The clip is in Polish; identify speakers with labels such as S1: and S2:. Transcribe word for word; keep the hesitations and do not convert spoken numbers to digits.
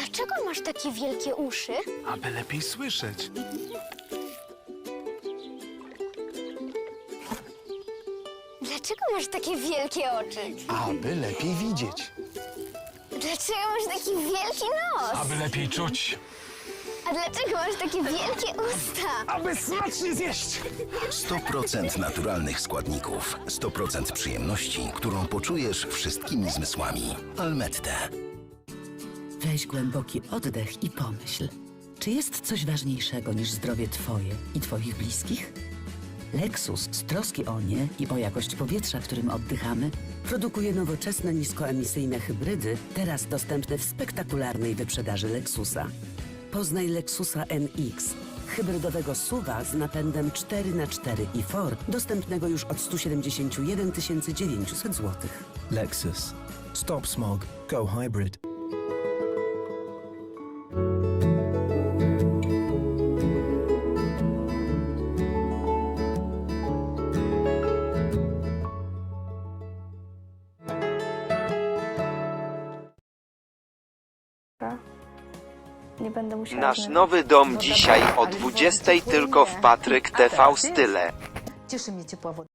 S1: Dlaczego masz takie wielkie uszy?
S2: Aby lepiej słyszeć.
S1: Dlaczego masz takie wielkie oczy?
S2: Aby lepiej widzieć.
S1: Dlaczego masz taki wielki nos?
S2: Aby lepiej czuć.
S1: A dlaczego masz takie wielkie usta?
S2: Aby smacznie zjeść.
S3: sto procent naturalnych składników, sto procent przyjemności, którą poczujesz wszystkimi zmysłami. Almette.
S4: Weź głęboki oddech i pomyśl, czy jest coś ważniejszego niż zdrowie Twoje i Twoich bliskich? Lexus z troski o nie i o jakość powietrza, którym oddychamy, produkuje nowoczesne, niskoemisyjne hybrydy, teraz dostępne w spektakularnej wyprzedaży Lexusa. Poznaj Lexusa N X, hybrydowego suwa z napędem cztery na cztery i Ford, dostępnego już od stu siedemdziesięciu jeden tysięcy dziewięciuset złotych.
S5: Lexus. Stop smog. Go hybrid.
S6: Nie będę musiała
S7: Nasz
S6: znaleźć.
S7: nowy dom
S6: No
S7: dzisiaj
S6: dobra,
S7: o
S6: ale
S7: dwudziestej
S6: zupełnie
S7: tylko w Patryk
S6: A
S7: T V
S6: teraz ty?
S7: Style.
S6: Cieszy mnie ciepła woda.